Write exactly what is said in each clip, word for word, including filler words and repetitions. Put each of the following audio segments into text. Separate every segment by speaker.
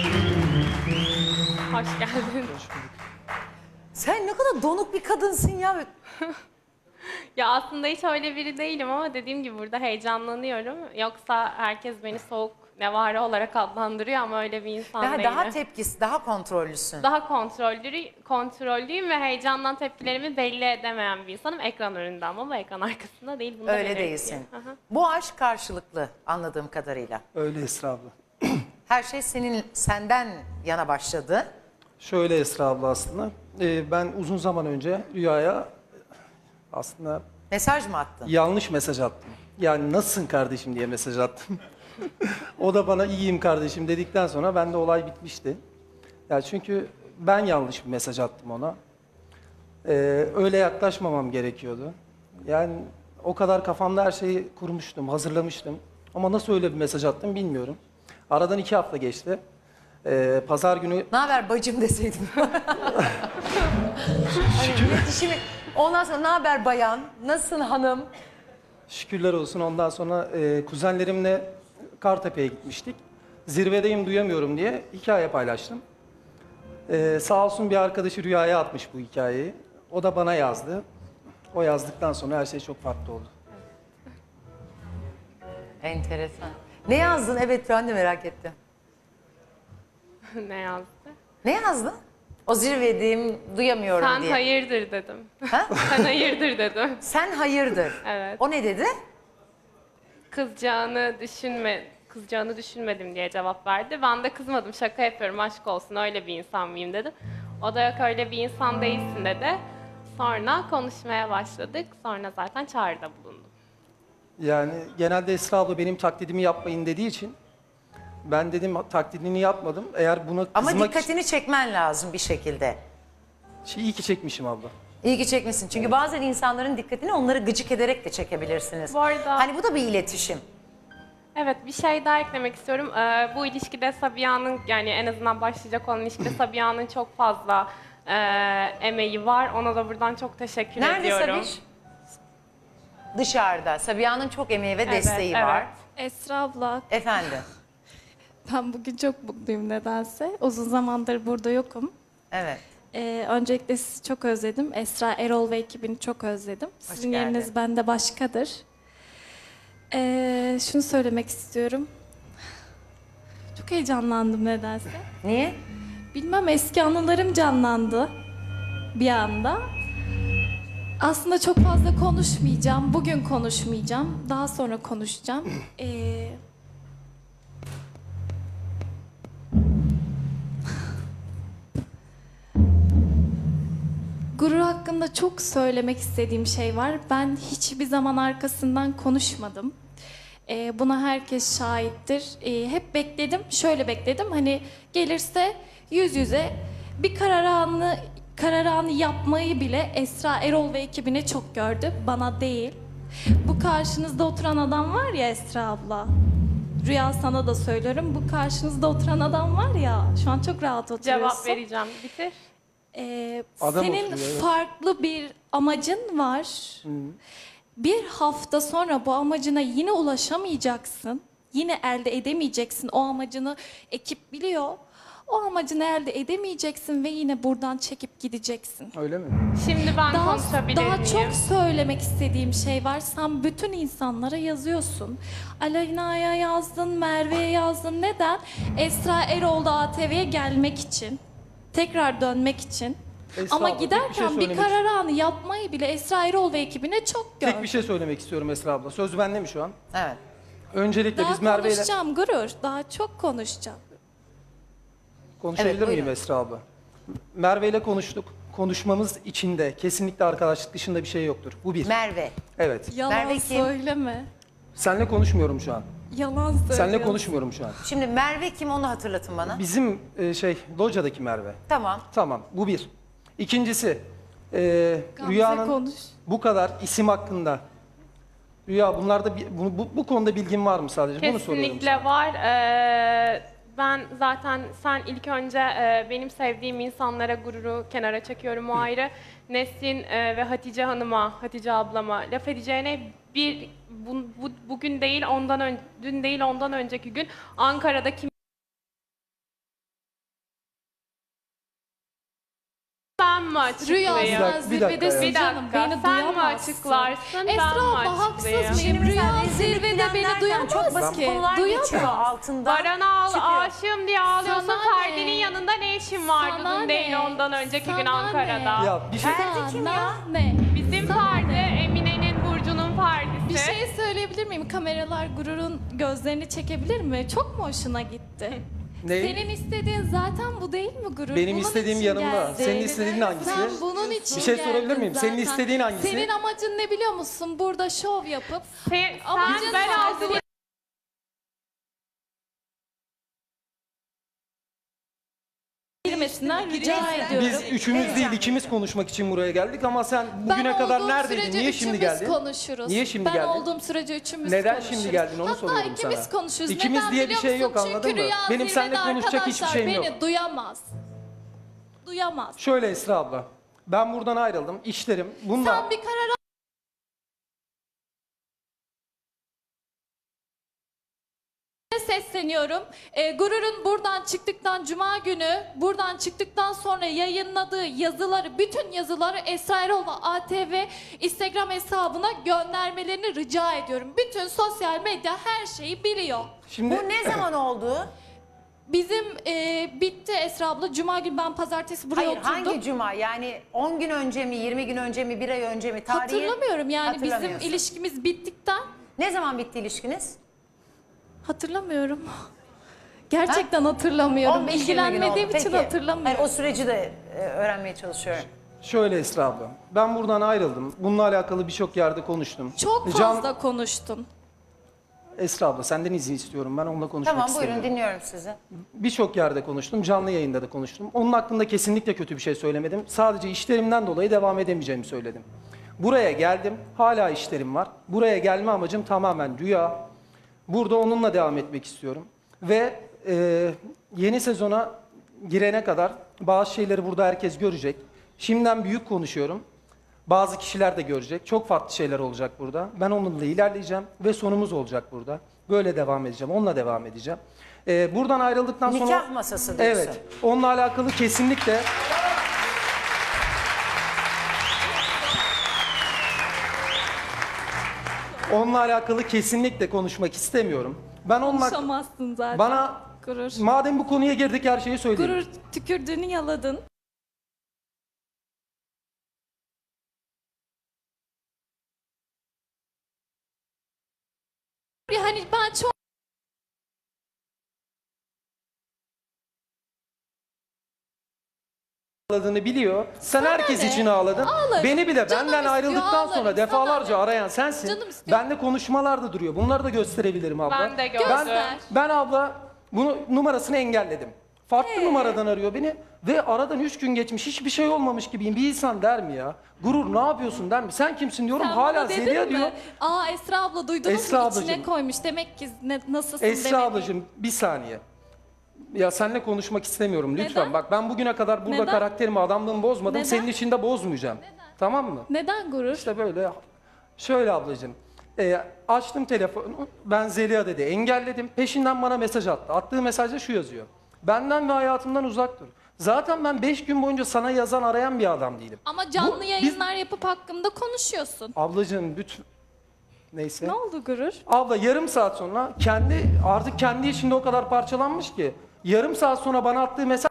Speaker 1: Hoş geldin.
Speaker 2: Sen ne kadar donuk bir kadınsın ya.
Speaker 1: Ya aslında hiç öyle biri değilim ama dediğim gibi burada heyecanlanıyorum. Yoksa herkes beni soğuk nevare olarak adlandırıyor ama öyle bir insan
Speaker 2: Daha,
Speaker 1: değilim.
Speaker 2: daha tepkisi, daha kontrollüsün.
Speaker 1: Daha kontrollü, kontrollüyüm ve heyecandan tepkilerimi belli edemeyen bir insanım. Ekran önünde ama bu ekran arkasında değil. Bunu da
Speaker 2: Öyle
Speaker 1: belirteyim.
Speaker 2: değilsin.
Speaker 1: Hı hı.
Speaker 2: Bu aşk karşılıklı anladığım kadarıyla.
Speaker 3: Öyle Esra abla.
Speaker 2: Her şey senin senden yana başladı.
Speaker 3: Şöyle Esra abla aslında. e, ben uzun zaman önce Rüya'ya aslında
Speaker 2: Mesaj mı attın?
Speaker 3: yanlış mesaj attım. Yani nasılsın kardeşim diye mesaj attım. O da bana iyiyim kardeşim dedikten sonra bende olay bitmişti. Yani çünkü ben yanlış bir mesaj attım ona. Ee, öyle yaklaşmamam gerekiyordu. Yani o kadar kafamda her şeyi kurmuştum, hazırlamıştım. Ama nasıl öyle bir mesaj attım bilmiyorum. Aradan iki hafta geçti. Ee, Pazar günü
Speaker 2: Ne haber bacım deseydin. hani iletişimi... Ondan sonra ne haber bayan, nasılsın hanım?
Speaker 3: şükürler olsun ondan sonra e, kuzenlerimle Kartepe'ye gitmiştik. Zirvedeyim duyamıyorum diye hikaye paylaştım. Ee, sağ olsun bir arkadaşı Rüya'ya atmış bu hikayeyi. O da bana yazdı. O yazdıktan sonra her şey çok farklı oldu.
Speaker 2: Enteresan. Ne yazdın? Evet ben de merak ettim.
Speaker 1: Ne yazdı?
Speaker 2: Ne yazdın? O zirvedeyim, duyamıyorum
Speaker 1: Sen
Speaker 2: diye.
Speaker 1: hayırdır dedim.
Speaker 2: Ha?
Speaker 1: Sen hayırdır dedim.
Speaker 2: Sen hayırdır.
Speaker 1: Evet.
Speaker 2: O ne dedi?
Speaker 1: Kızacağını düşünme, kızacağını düşünmedim diye cevap verdi. Ben de kızmadım, şaka yapıyorum, aşk olsun, öyle bir insan mıyım dedim. O da yok öyle bir insan değilsin dedi. Sonra konuşmaya başladık. Sonra zaten çağrıda bulundum.
Speaker 3: Yani genelde Esra abla benim taklidimi yapmayın dediği için ben dedim taklidini yapmadım. Eğer buna
Speaker 2: Ama
Speaker 3: kızmak
Speaker 2: dikkatini çekmen lazım bir şekilde.
Speaker 3: için... İyi ki çekmişim abla.
Speaker 2: İyi ki çekmişsin. Çünkü bazen insanların dikkatini onları gıcık ederek de çekebilirsiniz.
Speaker 1: Bu arada-
Speaker 2: Hani bu da bir iletişim.
Speaker 1: Evet, bir şey daha eklemek istiyorum. Ee, bu ilişkide Sabiha'nın, yani en azından başlayacak olan ilişkide Sabiha'nın çok fazla e, emeği var. Ona da buradan çok teşekkür
Speaker 2: Nerede
Speaker 1: ediyorum.
Speaker 2: Sabiş? Dışarıda. Sabiha'nın çok emeği ve
Speaker 1: Evet,
Speaker 2: desteği
Speaker 1: evet.
Speaker 2: var.
Speaker 4: Esra abla,
Speaker 2: Efendim.
Speaker 4: ben bugün çok mutluyum nedense. Uzun zamandır burada yokum.
Speaker 2: Evet.
Speaker 4: Ee, öncelikle sizi çok özledim. Esra Erol ve ekibini çok özledim. Sizin
Speaker 2: geldin.
Speaker 4: yeriniz bende başkadır. Ee, şunu söylemek istiyorum. Çok heyecanlandım nedense.
Speaker 2: Niye?
Speaker 4: Bilmem, eski anılarım canlandı bir anda. Aslında çok fazla konuşmayacağım. Bugün konuşmayacağım. Daha sonra konuşacağım. Ee, Gurur hakkında çok söylemek istediğim şey var. Ben hiçbir zaman arkasından konuşmadım. Ee, buna herkes şahittir. Ee, hep bekledim, şöyle bekledim. Hani gelirse yüz yüze bir karar anı, karar anı yapmayı bile Esra Erol ve ekibine çok gördü. Bana değil. Bu karşınızda oturan adam var ya Esra abla. Rüya, sana da söylüyorum. Bu karşınızda oturan adam var ya. Şu an çok rahat oturuyorsun.
Speaker 1: Cevap vereceğim. Bitir.
Speaker 4: Ee,
Speaker 3: Adam
Speaker 4: senin
Speaker 3: oturuyor, evet.
Speaker 4: farklı bir amacın var. Bir hafta sonra bu amacına yine ulaşamayacaksın. Yine elde edemeyeceksin. O amacını ekip biliyor. O amacını elde edemeyeceksin ve yine buradan çekip gideceksin.
Speaker 3: Öyle mi?
Speaker 1: Şimdi ben
Speaker 4: Daha,
Speaker 1: konuşabilir
Speaker 4: daha
Speaker 1: miyim?
Speaker 4: çok söylemek istediğim şey var. Sen bütün insanlara yazıyorsun. Aleyna'ya yazdın, Merve'ye yazdın. Neden? Esra Erol da A T V'ye gelmek için. Tekrar dönmek için.
Speaker 3: Esra
Speaker 4: Ama
Speaker 3: abla, tek bir
Speaker 4: giderken
Speaker 3: şey
Speaker 4: bir,
Speaker 3: söylemek-
Speaker 4: karar anı yapmayı bile Esra Erol ve ekibine çok gördüm.
Speaker 3: Tek bir şey söylemek istiyorum Esra abla. Söz bende mi şu an?
Speaker 2: Evet.
Speaker 3: Öncelikle
Speaker 4: Daha
Speaker 3: biz Merve ile
Speaker 4: konuşacağım Gurur. Daha çok konuşacağım.
Speaker 3: konuşabilir
Speaker 2: Evet,
Speaker 3: miyim
Speaker 2: buyurun.
Speaker 3: Esra abla? Merve ile konuştuk. Konuşmamız içinde kesinlikle arkadaşlık dışında bir şey yoktur. Bu bir.
Speaker 2: Merve.
Speaker 3: Evet.
Speaker 4: Yalan
Speaker 2: Merve kim?
Speaker 4: söyleme.
Speaker 3: Seninle konuşmuyorum şu an.
Speaker 4: Yalan söylüyorsun.
Speaker 3: Seninle konuşmuyorum şu an.
Speaker 2: Şimdi Merve kim onu hatırlatın bana.
Speaker 3: Bizim e, şey locadaki Merve.
Speaker 2: Tamam.
Speaker 3: Tamam, bu bir. İkincisi, e,
Speaker 4: Gamze,
Speaker 3: Rüya'nın
Speaker 4: konuş.
Speaker 3: bu kadar isim hakkında. Rüya, bunlarda bir- bu, bu, bu konuda bilgin var mı sadece? Bunu soruyorum.
Speaker 1: Kesinlikle var. Ee, ben zaten sen ilk önce e, benim sevdiğim insanlara gururu kenara çekiyorum, o ayrı. Nesrin e, ve Hatice Hanım'a, Hatice ablama laf edeceğine bir bu, bu- bugün değil ondan ön, dün değil ondan önceki gün Ankara'da kim mı açıklayayım?
Speaker 3: Bir
Speaker 4: Rüya
Speaker 3: dakika,
Speaker 4: sen
Speaker 3: bir dakika
Speaker 4: zirvedesin
Speaker 3: ya.
Speaker 1: Bir
Speaker 4: canım.
Speaker 1: dakika,
Speaker 4: Beni
Speaker 1: sen mi
Speaker 4: duyamazsın.
Speaker 1: açıklarsın,
Speaker 4: Esra
Speaker 1: ben mi
Speaker 4: abla haksız
Speaker 1: açıklayayım?
Speaker 4: mıyım? Rüya
Speaker 2: Şimdi
Speaker 4: zirvede
Speaker 2: zirveden
Speaker 4: beni
Speaker 2: derken
Speaker 4: duyamaz
Speaker 2: çok basit
Speaker 4: ki.
Speaker 2: konular geçiyor
Speaker 4: Duyamaz.
Speaker 2: altında.
Speaker 1: Baran'a al,
Speaker 2: çıkıyor.
Speaker 1: aşığım diye ağlıyorsun.
Speaker 4: Sana
Speaker 1: Ferdi'nin
Speaker 4: ne?
Speaker 1: yanında ne işin vardı
Speaker 4: Sana
Speaker 1: dün değil
Speaker 4: ne?
Speaker 1: ondan önceki gün
Speaker 4: Sana
Speaker 1: Ankara'da?
Speaker 4: ne?
Speaker 3: Ya bir şey
Speaker 2: Ferdi kim ya?
Speaker 4: Sana ne?
Speaker 1: Bizim
Speaker 4: Sana
Speaker 1: Ferdi,
Speaker 4: ne?
Speaker 1: Emine'nin Burcu'nun Ferdi'si.
Speaker 4: Bir şey söyleyebilir miyim? Kameralar gururun gözlerini çekebilir mi? Çok mu hoşuna gitti?
Speaker 3: Ne?
Speaker 4: Senin istediğin zaten bu değil mi gurur?
Speaker 3: Benim
Speaker 4: Bunun
Speaker 3: istediğim
Speaker 4: için
Speaker 3: yanımda.
Speaker 4: geldin.
Speaker 3: Senin istediğin hangisi?
Speaker 4: Sen bunun için
Speaker 3: Bir şey sorabilir
Speaker 4: geldin
Speaker 3: miyim? Senin
Speaker 4: zaten.
Speaker 3: istediğin hangisi?
Speaker 4: Senin amacın ne biliyor musun? Burada şov yapıp
Speaker 1: Sen,
Speaker 4: Amacın
Speaker 1: sen ben
Speaker 4: sadece-
Speaker 1: aldım.
Speaker 4: girmesinden rica ediyorum.
Speaker 3: Biz üçümüz değil ikimiz konuşmak için buraya geldik ama sen bugüne
Speaker 4: Ben
Speaker 3: kadar
Speaker 4: olduğum
Speaker 3: neredeydin?
Speaker 4: sürece
Speaker 3: Niye şimdi
Speaker 4: üçümüz
Speaker 3: geldin?
Speaker 4: konuşuruz.
Speaker 3: Niye şimdi
Speaker 4: ben
Speaker 3: geldin?
Speaker 4: olduğum sürece üçümüz
Speaker 3: Neden
Speaker 4: konuşuruz.
Speaker 3: şimdi geldin onu
Speaker 4: Hatta
Speaker 3: soruyorum
Speaker 4: ikimiz
Speaker 3: sana.
Speaker 4: konuşuruz.
Speaker 3: İkimiz
Speaker 4: Neden
Speaker 3: diye bir
Speaker 4: biliyor
Speaker 3: şey yok,
Speaker 4: musun?
Speaker 3: anladın
Speaker 4: Çünkü
Speaker 3: mı?
Speaker 4: Rüya
Speaker 3: Benim seninle
Speaker 4: zirvede
Speaker 3: konuşacak hiçbir
Speaker 4: arkadaşlar
Speaker 3: şeyim
Speaker 4: beni
Speaker 3: yok.
Speaker 4: duyamaz. Duyamaz.
Speaker 3: Şöyle Esra abla. Ben buradan ayrıldım. İşlerim. Bunda
Speaker 4: Sen bir karar al. Sesleniyorum. Ee, Gurur'un buradan çıktıktan Cuma günü, buradan çıktıktan sonra yayınladığı yazıları, bütün yazıları Esra Erol'la A T V Instagram hesabına göndermelerini rica ediyorum. Bütün sosyal medya her şeyi biliyor.
Speaker 3: şimdi
Speaker 2: Bu ne zaman oldu?
Speaker 4: Bizim e, bitti Esra abla. Cuma günü ben pazartesi buraya
Speaker 2: Hayır
Speaker 4: oturdum.
Speaker 2: hangi cuma? Yani on gün önce mi, yirmi gün önce mi, bir ay önce mi? Tarihi
Speaker 4: Hatırlamıyorum yani bizim
Speaker 2: hatırlamıyorsun.
Speaker 4: ilişkimiz bittikten
Speaker 2: Ne zaman bitti ilişkiniz?
Speaker 4: hatırlamıyorum. Gerçekten hatırlamıyorum.
Speaker 2: on beş yirmi gün oldu.
Speaker 4: İlgilenmediğim için
Speaker 2: Peki.
Speaker 4: hatırlamıyorum.
Speaker 2: Hayır, o süreci de e, öğrenmeye çalışıyorum.
Speaker 3: şöyle Esra abla. Ben buradan ayrıldım. Bununla alakalı birçok yerde konuştum.
Speaker 4: Çok
Speaker 3: Can-
Speaker 4: fazla konuştun.
Speaker 3: Esra abla senden izin istiyorum. Ben onunla konuşmak
Speaker 2: Tamam
Speaker 3: istemiyorum.
Speaker 2: buyurun dinliyorum sizi.
Speaker 3: Birçok yerde konuştum. Canlı yayında da konuştum. Onun hakkında kesinlikle kötü bir şey söylemedim. Sadece işlerimden dolayı devam edemeyeceğimi söyledim. Buraya geldim. Hala işlerim var. Buraya gelme amacım tamamen rüya. Burada onunla devam etmek istiyorum. Ve e, yeni sezona girene kadar bazı şeyleri burada herkes görecek. Şimdiden büyük konuşuyorum. Bazı kişiler de görecek. Çok farklı şeyler olacak burada. Ben onunla ilerleyeceğim ve sonumuz olacak burada. Böyle devam edeceğim. Onunla devam edeceğim. Ee, buradan ayrıldıktan sonra...
Speaker 2: Nikah masası diyorsun.
Speaker 3: Evet. Onunla alakalı kesinlikle... Onunla alakalı kesinlikle konuşmak istemiyorum. Ben onunla...
Speaker 4: Konuşamazsın zaten.
Speaker 3: Bana...
Speaker 4: Gurur.
Speaker 3: Madem bu konuya girdik her şeyi söyleyeyim.
Speaker 4: Gurur tükürdüğünü yaladın. Hani ben çok
Speaker 3: Ağladığını biliyor. Sen
Speaker 4: Sana
Speaker 3: herkes
Speaker 4: ne?
Speaker 3: için ağladın.
Speaker 4: Ağlarım.
Speaker 3: Beni bile
Speaker 4: Canım
Speaker 3: benden
Speaker 4: istiyor,
Speaker 3: ayrıldıktan
Speaker 4: ağlarım.
Speaker 3: sonra
Speaker 4: Sana
Speaker 3: defalarca
Speaker 4: ne?
Speaker 3: arayan sensin.
Speaker 4: Canım istiyor.
Speaker 3: Bende konuşmalarda duruyor. Bunları da gösterebilirim abla.
Speaker 1: Ben de gördüm.
Speaker 3: Ben,
Speaker 4: Göster.
Speaker 3: ben abla bunu numarasını engelledim. Farklı
Speaker 4: Ee?
Speaker 3: numaradan arıyor beni ve aradan üç gün geçmiş hiçbir şey olmamış gibiyim. Bir insan der mi ya? Gurur ne yapıyorsun der mi? Sen kimsin diyorum
Speaker 4: sen
Speaker 3: hala
Speaker 4: bana dedin
Speaker 3: Zeliha
Speaker 4: mi?
Speaker 3: diyor.
Speaker 4: Aa Esra abla duydunuz
Speaker 3: Esra
Speaker 4: mu?
Speaker 3: ablacığım.
Speaker 4: İçine koymuş. Demek ki ne, nasılsın
Speaker 3: Esra
Speaker 4: demedi.
Speaker 3: ablacığım bir saniye. Ya seninle konuşmak istemiyorum lütfen.
Speaker 4: Neden?
Speaker 3: Bak ben bugüne kadar burada
Speaker 4: Neden?
Speaker 3: karakterimi, adamlığımı bozmadım.
Speaker 4: Neden?
Speaker 3: Senin için de bozmayacağım. Tamam mı?
Speaker 4: Neden gurur?
Speaker 3: İşte böyle. Şöyle ablacığım. E, açtım telefonu. Ben Zeliha dedi. Engelledim. Peşinden bana mesaj attı. Attığı mesajda şu yazıyor. Benden ve hayatımdan uzak dur. Zaten ben beş gün boyunca sana yazan arayan bir adam değilim.
Speaker 4: Ama canlı
Speaker 3: Bu- biz-
Speaker 4: yayınlar yapıp hakkımda konuşuyorsun.
Speaker 3: Ablacığım lütfen. Neyse.
Speaker 4: Ne oldu gurur?
Speaker 3: Abla yarım saat sonra kendi artık kendi içinde o kadar parçalanmış ki yarım saat sonra bana attığı mesaj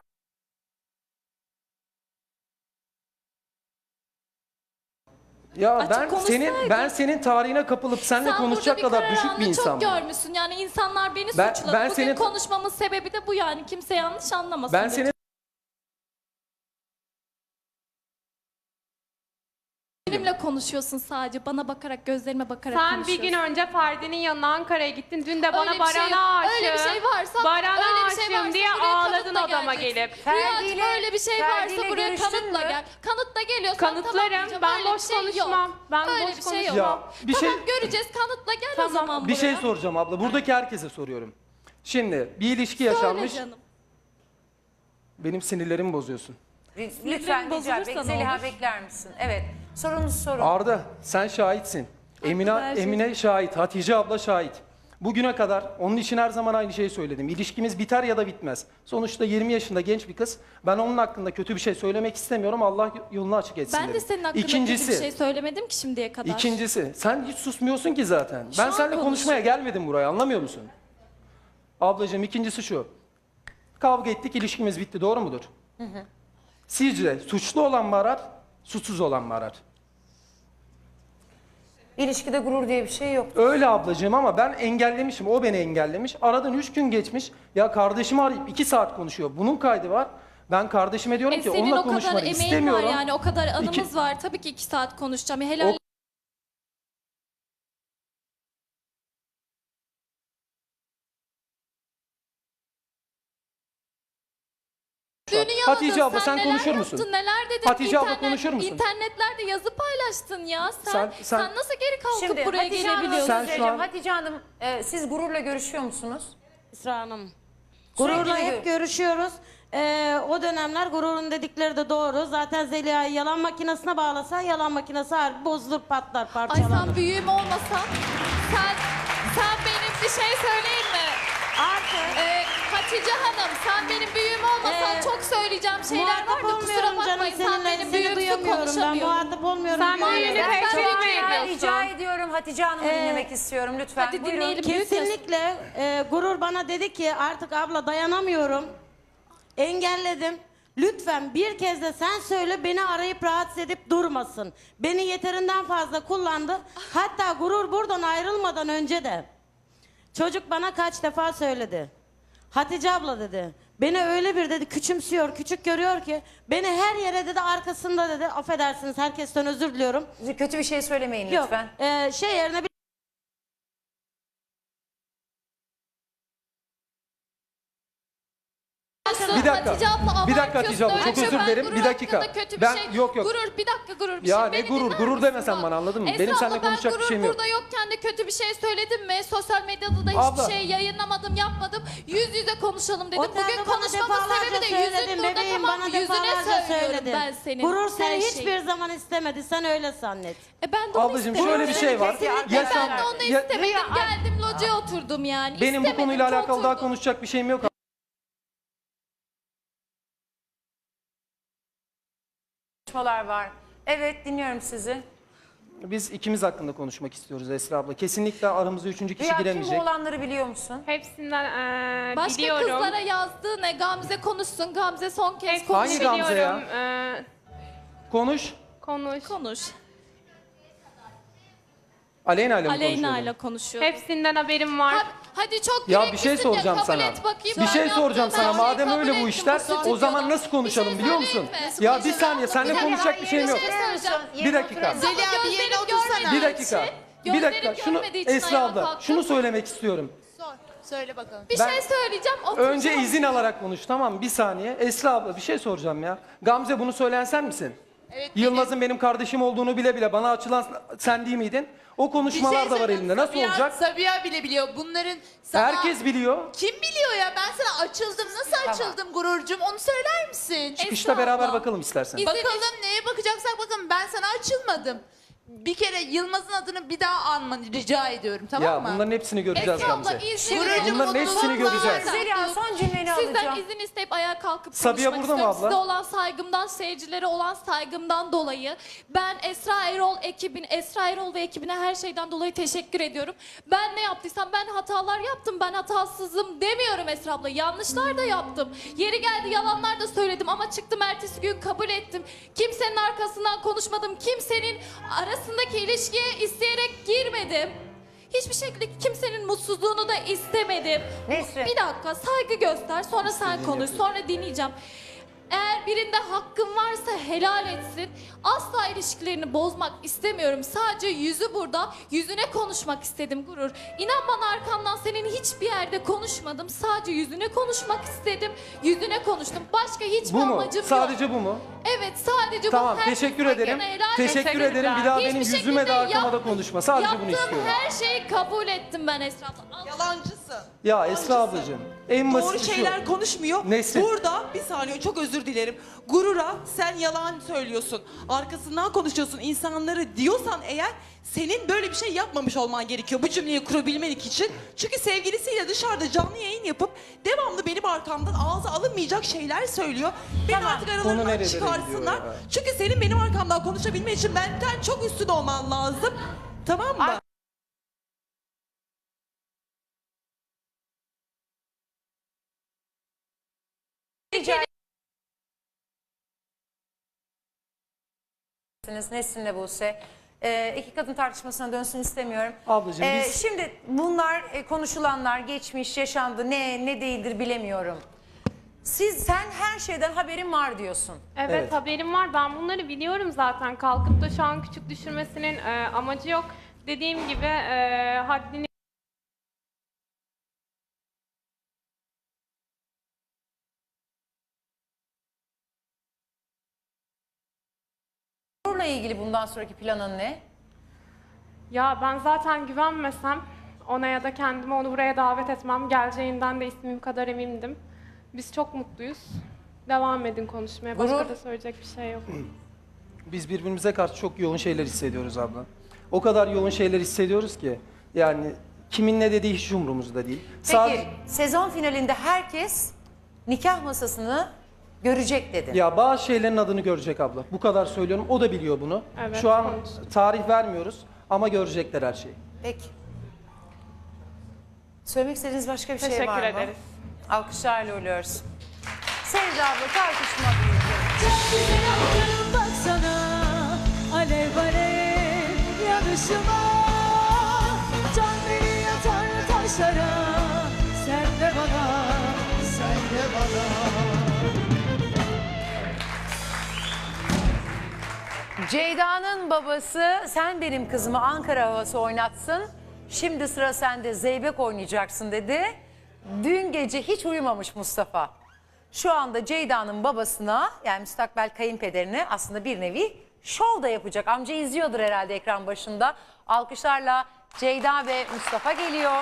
Speaker 3: ya
Speaker 4: Açık
Speaker 3: ben senin
Speaker 4: konuşsaydın.
Speaker 3: ben senin tarihine kapılıp seninle
Speaker 4: Sen
Speaker 3: konuşacak
Speaker 4: burada bir
Speaker 3: kadar düşük bir
Speaker 4: kararını
Speaker 3: insan
Speaker 4: çok
Speaker 3: mı?
Speaker 4: görmüşsün. Yani insanlar beni
Speaker 3: Ben-
Speaker 4: suçladı.
Speaker 3: ben
Speaker 4: Bugün
Speaker 3: senin-
Speaker 4: konuşmamın sebebi de bu yani. Kimse yanlış anlamasın.
Speaker 3: Ben
Speaker 4: lütfen.
Speaker 3: seni
Speaker 4: Benimle konuşuyorsun sadece. Bana bakarak, gözlerime bakarak
Speaker 1: Sen bir
Speaker 4: konuşuyorsun.
Speaker 1: gün önce Ferdi'nin yanına Ankara'ya gittin. Dün de bana
Speaker 4: Öyle bir şey yok.
Speaker 1: Baran'a aşığım.
Speaker 4: Öyle bir şey varsa,
Speaker 1: Baran'a
Speaker 4: öyle bir şey
Speaker 1: aşığım
Speaker 4: varsa
Speaker 1: diye
Speaker 4: buraya
Speaker 1: ağladın
Speaker 4: kanıtla
Speaker 1: odama
Speaker 4: geleceksin.
Speaker 1: gelip.
Speaker 2: Ferdi'yle-
Speaker 4: Rüyacığım öyle bir şey
Speaker 2: Ferdi'yle
Speaker 4: varsa buraya
Speaker 2: görüştün
Speaker 4: kanıtla
Speaker 2: mü?
Speaker 4: gel. Kanıtla geliyorsan
Speaker 1: Kanıtlarım.
Speaker 4: tamam diyeceğim.
Speaker 1: Ben
Speaker 4: Öyle bir
Speaker 1: boş
Speaker 4: şey
Speaker 1: konuşmam.
Speaker 4: Yok.
Speaker 1: Ben
Speaker 4: öyle
Speaker 1: boş
Speaker 4: bir şey yok.
Speaker 3: Ya, bir
Speaker 4: tamam
Speaker 3: şey-
Speaker 4: göreceğiz kanıtla gel o
Speaker 1: Tamam.
Speaker 4: zaman buraya.
Speaker 3: bir şey soracağım abla. Buradaki herkese soruyorum. Şimdi bir ilişki
Speaker 4: Söyle
Speaker 3: yaşanmış.
Speaker 4: canım.
Speaker 3: Benim sinirlerimi bozuyorsun.
Speaker 2: Lütfen rica
Speaker 4: bozulursa
Speaker 2: bek
Speaker 4: ne
Speaker 2: Zeliha
Speaker 4: olur?
Speaker 2: bekler misin? Evet. Sorunuz sorun.
Speaker 3: Arda sen şahitsin. Emine
Speaker 4: her şey-
Speaker 3: Emine şahit. Hatice abla şahit. Bugüne kadar onun için her zaman aynı şeyi söyledim. İlişkimiz biter ya da bitmez. Sonuçta yirmi yaşında genç bir kız. Ben onun hakkında kötü bir şey söylemek istemiyorum. Allah yolunu açık etsin
Speaker 4: Ben de
Speaker 3: dedim.
Speaker 4: senin hakkında
Speaker 3: İkincisi,
Speaker 4: kötü bir şey söylemedim ki şimdiye kadar.
Speaker 3: İkincisi, sen hiç susmuyorsun ki zaten.
Speaker 4: Şu
Speaker 3: Ben
Speaker 4: an
Speaker 3: seninle konuşmaya gelmedim buraya, anlamıyor musun? Ablacığım, ikincisi şu. Kavga ettik, ilişkimiz bitti, doğru mudur? Sizce suçlu olan mı arar, suçsuz olan mı arar?
Speaker 2: İlişkide gurur diye bir şey yok.
Speaker 3: Öyle ablacığım ama ben engellemişim, o beni engellemiş. Aradan üç gün geçmiş, ya kardeşimi arayıp iki saat konuşuyor. Bunun kaydı var. Ben kardeşime diyorum
Speaker 4: E
Speaker 3: ki
Speaker 4: senin
Speaker 3: onunla
Speaker 4: o kadar
Speaker 3: konuşmanı
Speaker 4: emeğin
Speaker 3: istemiyorum.
Speaker 4: var yani o kadar anımız
Speaker 3: İki-
Speaker 4: var. Tabii ki iki saat konuşacağım. Helal
Speaker 3: O-
Speaker 4: Düğünü yaladın.
Speaker 3: Hatice abla, sen
Speaker 4: neler
Speaker 3: konuşur
Speaker 4: yaptın,
Speaker 3: musun?
Speaker 4: Neler dedin?
Speaker 3: Hatice abla,
Speaker 4: İnternet-
Speaker 3: konuşur musun?
Speaker 4: İnternetlerde yazı paylaştın ya. Sen,
Speaker 3: Sen-
Speaker 4: sen,
Speaker 3: sen-
Speaker 4: nasıl geri kalkıp
Speaker 2: Şimdi
Speaker 4: buraya
Speaker 2: Hatice Hanım'a
Speaker 4: gelebiliyorsun?
Speaker 3: Sen
Speaker 2: söz
Speaker 3: şu
Speaker 2: vereceğim.
Speaker 3: an-
Speaker 2: Hatice Hanım, e, siz gururla görüşüyor musunuz?
Speaker 5: Esra Hanım.
Speaker 2: Sürekli
Speaker 5: Gururla
Speaker 2: gör-
Speaker 5: hep görüşüyoruz. Ee, o dönemler gururun dedikleri de doğru. Zaten Zeliha'yı yalan makinesine bağlasan yalan makinesi harbi bozulur, patlar,
Speaker 4: Ay
Speaker 5: parçalanır.
Speaker 4: sen büyüğüm olmasan sen sen benim bir şey söyleyeyim mi?
Speaker 5: Artık
Speaker 4: Ee, Hatice Hanım sen benim büyüğüm olmasan
Speaker 5: Ee,
Speaker 4: çok söyleyeceğim şeyler var
Speaker 5: muhatap
Speaker 4: da kusura
Speaker 5: olmuyorum canım
Speaker 4: bakmayın. Sen
Speaker 5: seninle.
Speaker 4: benim
Speaker 5: Seni
Speaker 4: büyüğümsün
Speaker 5: duyamıyorum ben.
Speaker 4: konuşamıyorum.
Speaker 5: Muhatap olmuyorum.
Speaker 1: Sen
Speaker 5: Maalesef.
Speaker 1: büyüğünü
Speaker 4: Ben
Speaker 1: teşvik
Speaker 4: çok
Speaker 1: mi
Speaker 4: beğendim.
Speaker 1: ediyorsun?
Speaker 2: Rica ediyorum, Hatice Hanım'ı
Speaker 5: Ee,
Speaker 2: dinlemek istiyorum lütfen.
Speaker 4: hadi
Speaker 2: Buyurun.
Speaker 4: dinleyelim. Büyük
Speaker 5: Kesinlikle e, gurur bana dedi ki artık abla dayanamıyorum. Engelledim. Lütfen bir kez de sen söyle, beni arayıp rahatsız edip durmasın. Beni yeterinden fazla kullandı. Hatta gurur buradan ayrılmadan önce de çocuk bana kaç defa söyledi. Hatice abla dedi. Beni öyle bir dedi küçümsüyor, küçük görüyor ki beni her yere dedi arkasında dedi. Affedersiniz, herkesten özür diliyorum.
Speaker 2: Kötü bir şey söylemeyin
Speaker 5: Yok.
Speaker 2: lütfen.
Speaker 5: e, şey yerine bir
Speaker 3: Bir dakika.
Speaker 4: Hatice abla
Speaker 3: Bir dakika Hatice abla,
Speaker 4: abartıyorsun.
Speaker 3: çok
Speaker 4: Öyle
Speaker 3: özür
Speaker 4: ben
Speaker 3: dilerim.
Speaker 4: gurur
Speaker 3: Bir dakika.
Speaker 4: hakkında Kötü bir
Speaker 3: Ben-
Speaker 4: şey.
Speaker 3: yok, yok.
Speaker 4: Gurur bir dakika gurur bir
Speaker 3: Ya
Speaker 4: şey.
Speaker 3: ne
Speaker 4: Beni
Speaker 3: gurur?
Speaker 4: dinler
Speaker 3: Gurur
Speaker 4: misin
Speaker 3: demesen
Speaker 4: bak?
Speaker 3: bana, anladın mı?
Speaker 4: Esra
Speaker 3: Benim seninle
Speaker 4: abla, ben
Speaker 3: konuşacak bir
Speaker 4: gurur
Speaker 3: şeyim yok.
Speaker 4: burada yokken de kötü bir şey söyledim mi? Sosyal medyada da hiçbir
Speaker 3: Abla.
Speaker 4: şey yayınlamadım, yapmadım. Yüz yüze konuşalım dedim.
Speaker 5: Otelde
Speaker 4: Bugün
Speaker 5: bana
Speaker 4: konuşmamın
Speaker 5: defalarca
Speaker 4: sebebi de
Speaker 5: söyledin
Speaker 4: yüzün burada,
Speaker 5: bebeğim,
Speaker 4: tamam
Speaker 5: bana
Speaker 4: mı? Yüzüne
Speaker 5: defalarca
Speaker 4: söylüyorum
Speaker 5: söyledin.
Speaker 4: ben senin.
Speaker 5: Gurur
Speaker 4: her
Speaker 5: seni
Speaker 4: şeyi.
Speaker 5: hiçbir zaman istemedi, sen öyle zannet.
Speaker 4: E ben de onu
Speaker 3: Ablacığım,
Speaker 4: istemedim.
Speaker 3: şöyle bir şey var.
Speaker 2: Kesinlikle.
Speaker 3: Ya sen-
Speaker 4: Ben de onu
Speaker 3: ya-
Speaker 4: istemedim. Geldim locaya oturdum yani.
Speaker 3: benim bu
Speaker 4: İstemedim
Speaker 3: konuyla
Speaker 4: ki
Speaker 3: alakalı daha
Speaker 4: oturdum.
Speaker 3: konuşacak bir şeyim yok.
Speaker 2: Konuşmalar var. Evet, dinliyorum sizi.
Speaker 3: Biz ikimiz hakkında konuşmak istiyoruz Esra abla. Kesinlikle aramıza üçüncü kişi
Speaker 2: Rüya, kim bu
Speaker 3: giremeyecek.
Speaker 2: olanları biliyor musun?
Speaker 1: Hepsinden eee,
Speaker 4: Başka
Speaker 1: biliyorum.
Speaker 4: kızlara yazdığı ne? Gamze konuşsun. Gamze son kez
Speaker 1: Hepsini
Speaker 4: konuş.
Speaker 3: Hangi Gamze ya?
Speaker 1: biliyorum. Eee,
Speaker 3: Konuş.
Speaker 1: konuş.
Speaker 4: Konuş.
Speaker 3: Aleyna ile mi
Speaker 4: Aleyna ile
Speaker 3: konuşuyordun?
Speaker 4: konuşuyor.
Speaker 1: Hepsinden haberim var.
Speaker 4: Ha- Hadi çok
Speaker 3: Ya bir
Speaker 4: yüreklisin
Speaker 3: şey
Speaker 4: ya,
Speaker 3: soracağım
Speaker 4: kabul
Speaker 3: sana.
Speaker 4: et bakayım.
Speaker 3: Bir
Speaker 4: Ben
Speaker 3: şey
Speaker 4: yaptığım
Speaker 3: soracağım
Speaker 4: her
Speaker 3: sana.
Speaker 4: şeyi
Speaker 3: Madem
Speaker 4: kabul
Speaker 3: öyle bu
Speaker 4: ettim
Speaker 3: işler,
Speaker 4: bu stüdyoda.
Speaker 3: o zaman nasıl
Speaker 4: Bir
Speaker 3: konuşalım
Speaker 4: şey
Speaker 3: biliyor musun?
Speaker 4: söyleyeyim mi?
Speaker 3: Ya
Speaker 4: Bir
Speaker 3: bir
Speaker 4: şey
Speaker 3: saniye, seninle
Speaker 4: söyleyeyim.
Speaker 3: konuşacak bir şeyim yok.
Speaker 4: Bir şey söyleyeceğim.
Speaker 3: Bir dakika.
Speaker 4: Ama
Speaker 6: Zeliha, bir
Speaker 4: gözlerim
Speaker 6: yerine otursana.
Speaker 4: görmediği
Speaker 3: Bir dakika.
Speaker 4: için-
Speaker 3: Bir
Speaker 4: gözlerim
Speaker 3: dakika. Şunu
Speaker 4: görmediği için
Speaker 3: Esra
Speaker 4: ayağa
Speaker 3: abla,
Speaker 4: kalktım.
Speaker 3: şunu söylemek istiyorum.
Speaker 6: Sor. Söyle bakalım.
Speaker 4: Bir
Speaker 3: Ben-
Speaker 4: şey söyleyeceğim. oturacağım.
Speaker 3: Önce izin alarak konuş, tamam mı? Bir saniye. Esra abla, bir şey soracağım ya. Gamze, bunu söyleyen sen misin?
Speaker 6: Evet,
Speaker 3: Yılmaz'ın benim kardeşim olduğunu bile bile bana açılan sen değil miydin? O konuşmalar da var
Speaker 6: söyleyeyim.
Speaker 3: elinde. Nasıl
Speaker 6: Sabiha-
Speaker 3: olacak?
Speaker 6: Sabiha bile biliyor. Bunların sana...
Speaker 3: Herkes biliyor.
Speaker 6: Kim biliyor ya? Ben sana açıldım. Nasıl açıldım gururcum? Onu söyler misin?
Speaker 3: Çıkışta
Speaker 4: Esra
Speaker 3: beraber
Speaker 4: abla.
Speaker 3: bakalım istersen.
Speaker 4: İzin-
Speaker 6: Bakalım neye bakacaksak bakalım. Ben sana açılmadım. Bir kere Yılmaz'ın adını bir daha anmanı rica ediyorum, tamam
Speaker 3: Ya
Speaker 6: mı?
Speaker 3: bunların hepsini göreceğiz
Speaker 4: Esra abla
Speaker 3: Gamze.
Speaker 4: izin
Speaker 6: Gururcum,
Speaker 4: verin.
Speaker 3: Bunların hepsini
Speaker 6: mutluluklar.
Speaker 3: göreceğiz.
Speaker 2: Zeliha, son cümleni
Speaker 4: Sizden
Speaker 2: alacağım.
Speaker 4: izin isteyip ayağa kalkıp
Speaker 3: Sabiha
Speaker 4: konuşmak
Speaker 3: burada mı
Speaker 4: istiyorum.
Speaker 3: abla?
Speaker 4: Size olan saygımdan, seyircilere olan saygımdan dolayı ben Esra Erol ekibin, Esra Erol ve ekibine her şeyden dolayı teşekkür ediyorum. Ben ne yaptıysam, ben hatalar yaptım, ben hatasızım demiyorum Esra abla. Yanlışlar da yaptım. Yeri geldi yalanlar da söyledim ama çıktım ertesi gün kabul ettim. Kimsenin arkasından konuşmadım. Kimsenin arasındaki ilişkiye isteyerek girmedim. Hiçbir şekilde kimsenin mutsuzluğunu da istemedim.
Speaker 2: Nesrin.
Speaker 4: Bir dakika, saygı göster, sonra sen konuş, sonra dinleyeceğim. Eğer birinde hakkın varsa helal etsin. Asla ilişkilerini bozmak istemiyorum. Sadece yüzü burada, yüzüne konuşmak istedim Gurur. İnan bana, arkamdan senin hiçbir yerde konuşmadım. Sadece yüzüne konuşmak istedim. Yüzüne konuştum. Başka hiçbir
Speaker 3: Bu mu?
Speaker 4: amacım yok.
Speaker 3: Sadece bu mu?
Speaker 4: Evet, sadece
Speaker 3: Tamam,
Speaker 4: bu. Herkes
Speaker 3: teşekkür
Speaker 4: hakkını
Speaker 3: ederim.
Speaker 4: helal
Speaker 3: Teşekkür
Speaker 4: etsin.
Speaker 3: ederim. Bir daha
Speaker 4: Hiçbir
Speaker 3: benim yüzüme
Speaker 4: şekilde
Speaker 3: de arkama
Speaker 4: yap-
Speaker 3: da konuşma. Sadece bunu
Speaker 4: Yaptığım
Speaker 3: istiyorum.
Speaker 4: her şeyi kabul ettim ben Esra abla.
Speaker 6: Yalancısın.
Speaker 3: Ya Esra ablacığım, En
Speaker 7: Doğru
Speaker 3: basiti şu.
Speaker 7: şeyler konuşmuyor.
Speaker 3: Nesrin.
Speaker 7: Burada bir saniye çok özür dilerim. Gurura sen yalan söylüyorsun. Arkasından konuşuyorsun. İnsanları diyorsan eğer senin böyle bir şey yapmamış olman gerekiyor bu cümleyi kurabilmek için. Çünkü sevgilisiyle dışarıda canlı yayın yapıp devamlı benim arkamdan ağza alınmayacak şeyler söylüyor. Beni
Speaker 2: Tamam.
Speaker 7: artık
Speaker 3: Konu
Speaker 7: aralarından
Speaker 3: nerelere
Speaker 7: çıkarsınlar.
Speaker 3: gidiyor ya?
Speaker 7: Çünkü senin benim arkamdan konuşabilmen için benden çok üstün olman lazım. Tamam mı?
Speaker 2: Rica edersiniz Nesrin'le Buse. Ee, iki kadın tartışmasına dönsün istemiyorum.
Speaker 3: Ablacığım
Speaker 2: Ee,
Speaker 3: biz-
Speaker 2: Şimdi bunlar e, konuşulanlar geçmiş yaşandı ne ne değildir bilemiyorum. Siz sen her şeyden haberin var diyorsun.
Speaker 1: Evet,
Speaker 3: Evet.
Speaker 1: haberim var. Ben bunları biliyorum zaten. Kalkıp da şu an küçük düşürmesinin e, amacı yok. Dediğim gibi e, haddini
Speaker 2: Bununla ilgili bundan sonraki planın ne?
Speaker 1: Ya ben zaten güvenmesem ona ya da kendimi onu buraya davet etmem. Geleceğinden de ismim kadar emindim. Biz çok mutluyuz. Devam edin konuşmaya. Başka
Speaker 2: Gurur.
Speaker 1: da söyleyecek bir şey yok.
Speaker 3: Biz birbirimize karşı çok yoğun şeyler hissediyoruz abla. O kadar yoğun şeyler hissediyoruz ki yani kimin ne dediği hiç umurumuzda değil.
Speaker 2: Peki
Speaker 3: Sadece-
Speaker 2: sezon finalinde herkes nikah masasını görecek dedi.
Speaker 3: Ya bazı şeylerin adını görecek abla. Bu kadar söylüyorum. O da biliyor bunu.
Speaker 1: Evet,
Speaker 3: Şu an
Speaker 1: konuştuk.
Speaker 3: tarih vermiyoruz ama görecekler her şeyi.
Speaker 2: Peki. Söylemek istediğiniz başka bir şey
Speaker 1: Teşekkür
Speaker 2: var mı?
Speaker 1: ederiz.
Speaker 2: Alkışlarla uğurluyoruz. Sevda abla tartışma büyüdü.
Speaker 8: Baksana alev alev yanışıma, can beni yatar taşlara, sen de bana, sen de bana.
Speaker 2: Ceyda'nın babası sen benim kızımı Ankara havası oynatsın. Şimdi sıra sende zeybek oynayacaksın dedi. Dün gece hiç uyumamış Mustafa. Şu anda Ceyda'nın babasına yani müstakbel kayınpederine aslında bir nevi şov da yapacak. Amca izliyordur herhalde ekran başında. Alkışlarla Ceyda ve Mustafa geliyor.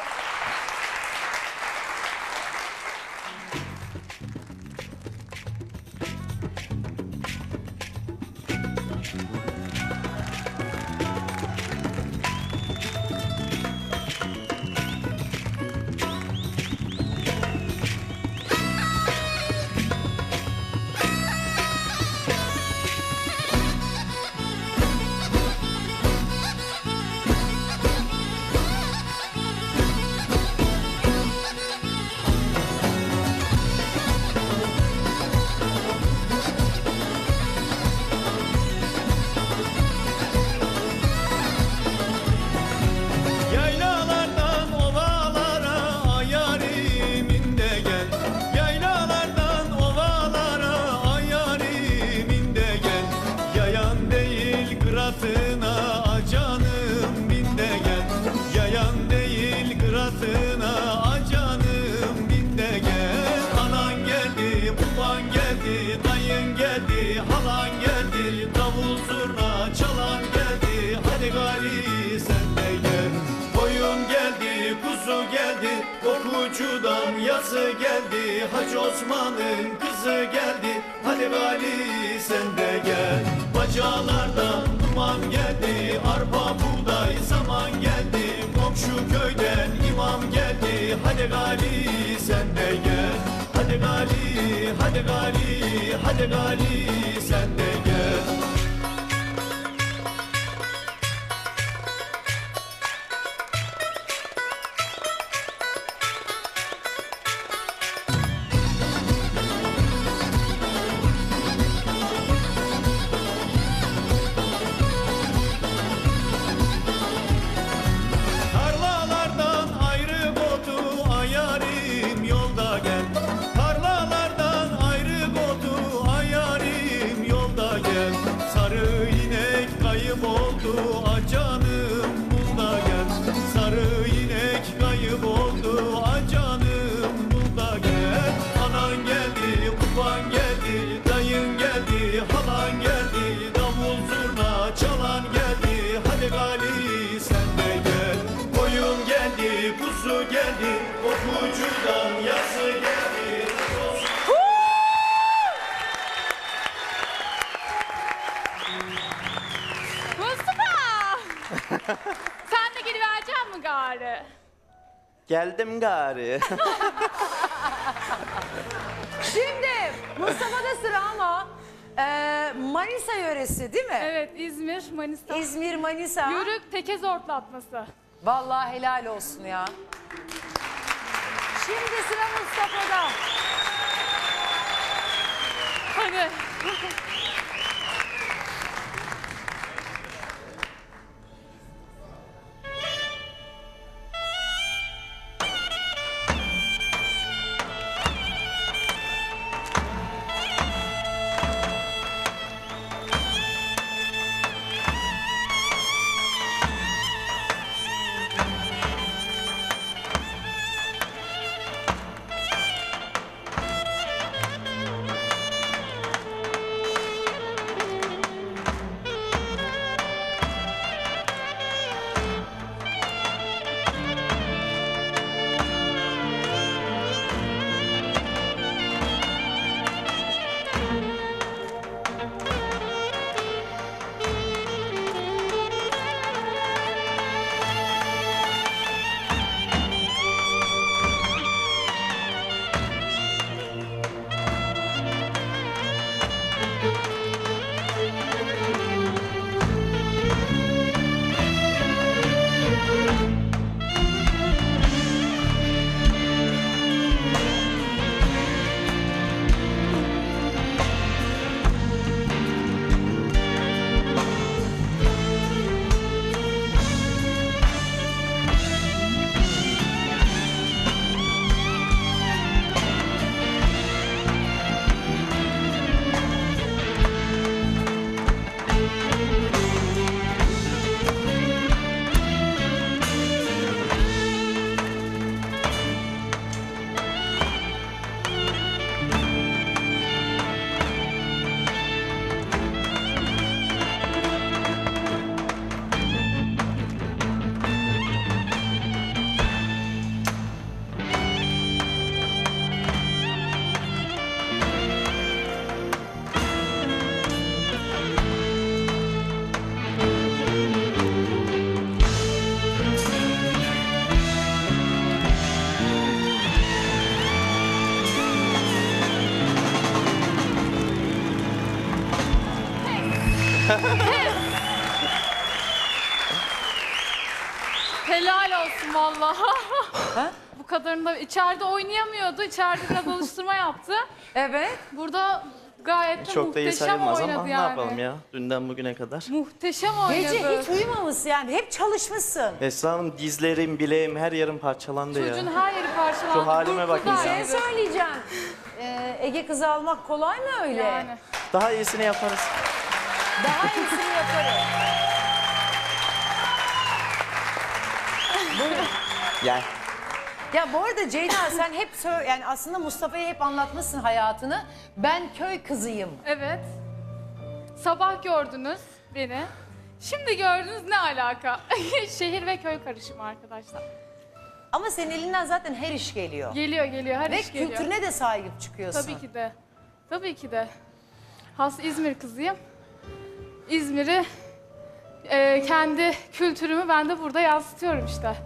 Speaker 9: Yaylalardan ovalara ayarimin de gel. Yaylalardan ovalara ayarimin de gel. Yayan değil kıratına acanım bin de gel. Yayan değil kıratına acanım bin de gel. Anan geldi, baban geldi, dayın geldi, halan geldi, davul zurna çalan geldi. Hadi gali sen de gel. Koyun geldi, kuzu geldi, kokucudan yazı geldi. Hacı Osman'ın kızı geldi, hadi gali sen de gel. Bacalardan duman geldi, arpa buğday zaman geldi. Komşu köyden imam geldi, hadi gali sen de gel. Hadi gali, hadi gali, hadi gali sen de gel. Tarlalardan ayrı botu ayarim yolda gel. Tarlalardan ayrı botu ayarim yolda gel.
Speaker 1: gari.
Speaker 10: Geldim gari.
Speaker 2: Şimdi Mustafa'da sıra ama e, Manisa yöresi değil mi?
Speaker 1: Evet, İzmir, Manisa.
Speaker 2: İzmir, Manisa.
Speaker 1: Yörük teke zortlatması.
Speaker 2: Vallahi helal olsun ya. Şimdi sıra Mustafa'da.
Speaker 1: Hadi. Helal olsun vallahi. Bu kadarını da içeride oynayamıyordu. İçeride biraz alıştırma yaptı.
Speaker 2: Evet.
Speaker 1: Burada gayet de
Speaker 10: Çok da iyi
Speaker 1: muhteşem
Speaker 10: sayılmaz
Speaker 1: oynadı
Speaker 10: ama
Speaker 1: yani.
Speaker 10: ne yapalım ya? Dünden bugüne kadar.
Speaker 1: Muhteşem oynadı.
Speaker 2: Gece hiç uyumamışsın yani. Hep çalışmışsın.
Speaker 10: Esra Hanım dizlerim, bileğim her yerim parçalandı
Speaker 1: Çocuğun
Speaker 10: ya.
Speaker 1: her yeri parçalandı.
Speaker 10: Şu halime bakın
Speaker 1: Kurtuldu
Speaker 10: ya.
Speaker 2: Ne
Speaker 1: yani.
Speaker 2: söyleyeceğim? Ee, Ege kızı almak kolay mı öyle?
Speaker 1: Yani.
Speaker 10: Daha iyisini yaparız.
Speaker 2: Daha iyisini yaparım. Buyurun.
Speaker 10: Gel.
Speaker 2: Ya bu arada Ceyda sen hep sö- yani aslında Mustafa'ya hep anlatmışsın hayatını. Ben köy kızıyım.
Speaker 1: Evet. Sabah gördünüz beni. Şimdi gördünüz ne alaka? Şehir ve köy karışımı arkadaşlar.
Speaker 2: Ama senin elinden zaten her iş geliyor.
Speaker 1: Geliyor geliyor her
Speaker 2: Ve
Speaker 1: iş geliyor.
Speaker 2: kültürüne de sahip çıkıyorsun.
Speaker 1: Tabii ki de. Tabii ki de. Has İzmir kızıyım. İzmir'i e, kendi kültürümü ben de burada yansıtıyorum işte.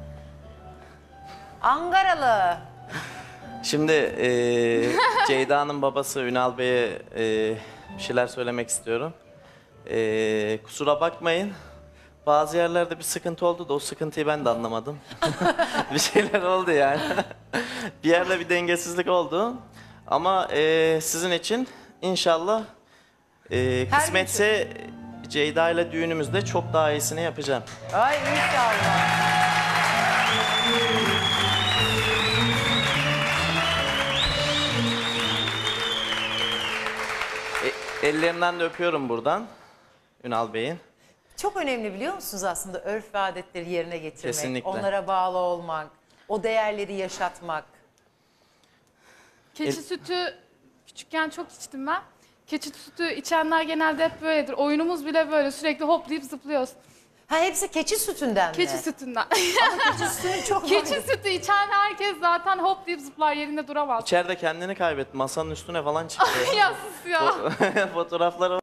Speaker 2: Ankaralı.
Speaker 10: Şimdi eee Ceyda'nın babası Ünal Bey'e eee, bir şeyler söylemek istiyorum. Eee, kusura bakmayın. Bazı yerlerde bir sıkıntı oldu da o sıkıntıyı ben de anlamadım. Bir şeyler oldu yani. Bir yerde bir dengesizlik oldu. Ama eee, sizin için inşallah eee,
Speaker 2: Her
Speaker 10: kısmetse Ceyda ile düğünümüzde çok daha iyisini yapacağım.
Speaker 2: Ay inşallah.
Speaker 10: E, ellerinden de öpüyorum buradan Ünal Bey'in.
Speaker 2: Çok önemli biliyor musunuz aslında örf ve adetleri yerine getirmek.
Speaker 10: Kesinlikle.
Speaker 2: Onlara bağlı olmak. O değerleri yaşatmak.
Speaker 1: Keçi
Speaker 10: El-
Speaker 1: sütü küçükken çok içtim ben. Keçi sütü içenler genelde hep böyledir. Oyunumuz bile böyle sürekli hoplayıp zıplıyoruz.
Speaker 2: Ha hepsi keçi sütünden
Speaker 1: Keçi
Speaker 2: mi?
Speaker 1: sütünden.
Speaker 2: Keçi sütünün çok
Speaker 1: Keçi sütü içen herkes zaten hoplayıp zıplar yerinde duramaz.
Speaker 10: İçeride kendini kaybetti. Masanın üstüne falan çıktı.
Speaker 1: Ya sus ya.
Speaker 10: Fotoğrafları